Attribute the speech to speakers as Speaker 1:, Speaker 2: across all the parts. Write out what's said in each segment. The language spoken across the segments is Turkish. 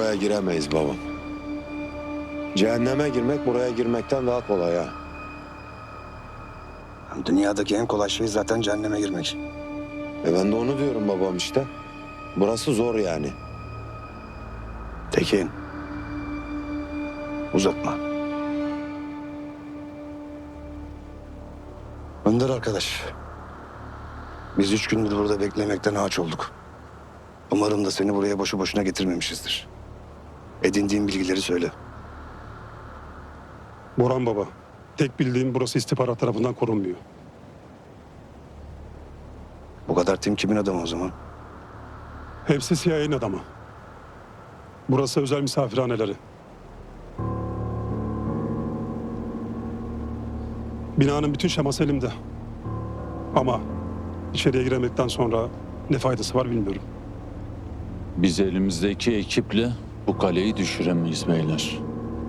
Speaker 1: buraya giremeyiz babam. Cehenneme girmek buraya girmekten daha kolay ha.
Speaker 2: Dünyadaki en kolay şey zaten cehenneme girmek.
Speaker 1: Ben de onu diyorum babam işte. Burası zor yani.
Speaker 2: Tekin. Uzatma. Önder arkadaş. Biz 3 gündür burada beklemekten ağaç olduk. Umarım da seni buraya boşu boşuna getirmemişizdir. Edindiğin bilgileri söyle.
Speaker 3: Boran baba, tek bildiğim burası istihbarat tarafından korunmuyor.
Speaker 2: Bu kadar tim kimin adamı o zaman?
Speaker 3: Hepsi CIA'nin adamı. Burası özel misafirhaneleri. Binanın bütün şeması elimde. Ama içeriye giremekten sonra ne faydası var bilmiyorum.
Speaker 4: Biz elimizdeki ekiple bu kaleyi düşüremeyiz beyler.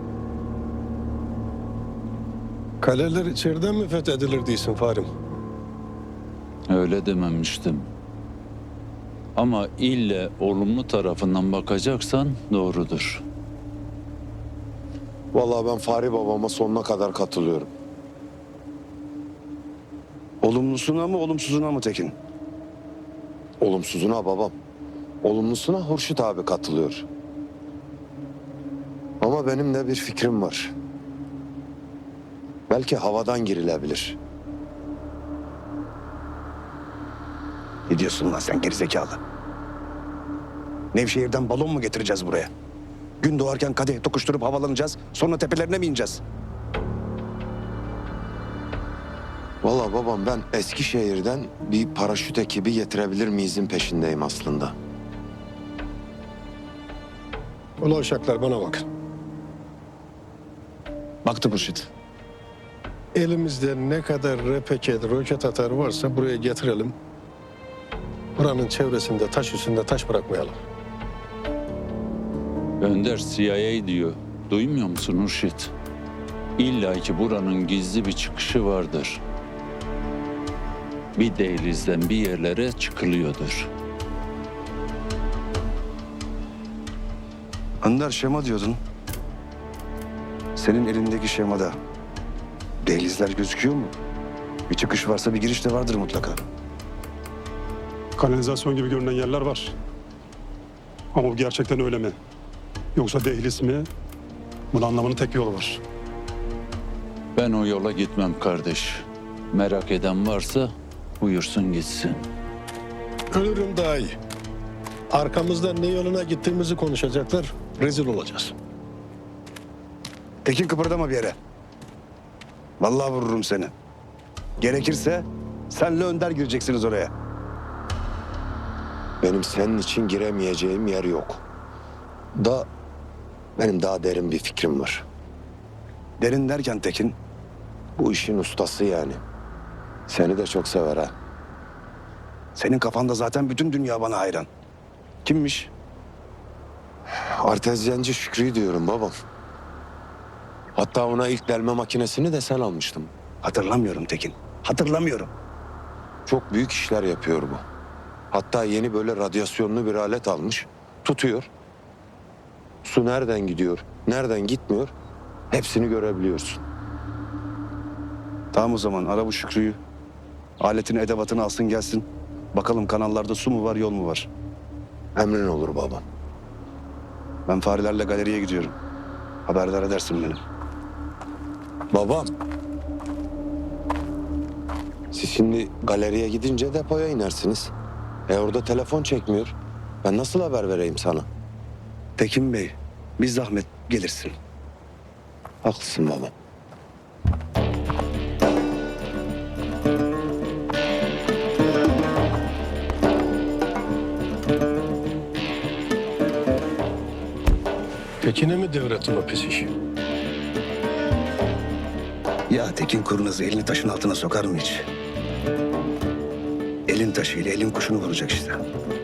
Speaker 5: Kaleler içeriden mi fethedilir diyorsun Farim?
Speaker 4: Öyle dememiştim. Ama ille olumlu tarafından bakacaksan doğrudur.
Speaker 1: Vallahi ben Fahri babama sonuna kadar katılıyorum.
Speaker 2: Olumlusuna mı olumsuzuna mı Tekin?
Speaker 1: Olumsuzuna babam. Olumlusuna Hurşit abi katılıyor. Ama benim de bir fikrim var. Belki havadan girilebilir.
Speaker 2: Ne diyorsun lan sen gerizekalı? Nevşehir'den balon mu getireceğiz buraya? Gün doğarken kadeh tokuşturup havalanacağız. Sonra tepelerine mi ineceğiz?
Speaker 1: Vallahi babam ben Eskişehir'den bir paraşüt ekibi getirebilir miyizin peşindeyim aslında.
Speaker 5: Ulan uşaklar bana bakın.
Speaker 2: Baktı Hurşit.
Speaker 5: Elimizde ne kadar repeket, roket atarı varsa buraya getirelim. Buranın çevresinde taş üstünde taş bırakmayalım.
Speaker 4: Önder CIA diyor. Duymuyor musun Hurşit? İlla ki buranın gizli bir çıkışı vardır. Bir dehlizden bir yerlere çıkılıyordur.
Speaker 2: Önder şema diyordun. Senin elindeki şemada dehlizler gözüküyor mu? Bir çıkış varsa bir giriş de vardır mutlaka.
Speaker 3: Kanalizasyon gibi görünen yerler var. Ama bu gerçekten öyle mi? Yoksa dehliz mi? Bunun anlamanın tek yolu var.
Speaker 4: Ben o yola gitmem kardeş. Merak eden varsa buyursun gitsin.
Speaker 5: Ölürüm daha iyi. Arkamızdan ne yoluna gittiğimizi konuşacaklar. Rezil olacağız.
Speaker 2: Tekin kıpırdama bir yere. Vallahi vururum seni. Gerekirse senle Önder gireceksiniz oraya.
Speaker 1: Benim senin için giremeyeceğim yer yok. Benim daha derin bir fikrim var.
Speaker 2: Derin derken Tekin,
Speaker 1: Bu işin ustası yani. Seni de çok sever ha.
Speaker 2: senin kafanda zaten bütün dünya bana hayran. Kimmiş?
Speaker 1: Artezyenci Şükrü diyorum babam. Hatta ona ilk delme makinesini de sen almıştın.
Speaker 2: Hatırlamıyorum Tekin. Hatırlamıyorum.
Speaker 1: Çok büyük işler yapıyor bu. Hatta yeni böyle radyasyonlu bir alet almış. Tutuyor. Su nereden gidiyor, nereden gitmiyor hepsini görebiliyorsun.
Speaker 2: Tamam o zaman ara bu Şükrü'yü. Aletini edevatını alsın gelsin. Bakalım kanallarda su mu var yol mu var?
Speaker 1: Emrin olur babam.
Speaker 2: Ben farelerle galeriye gidiyorum. Haberdar edersin beni.
Speaker 1: Babam. Siz şimdi galeriye gidince depoya inersiniz. Orada telefon çekmiyor. Ben nasıl haber vereyim sana?
Speaker 2: Tekin Bey, bir zahmet gelirsin.
Speaker 1: Haklısın babam.
Speaker 5: Tekin'e mi devrettin o pis işi?
Speaker 2: Ya Tekin kurnazı elini taşın altına sokar mı hiç? Elin taşıyla elin kuşunu vuracak işte.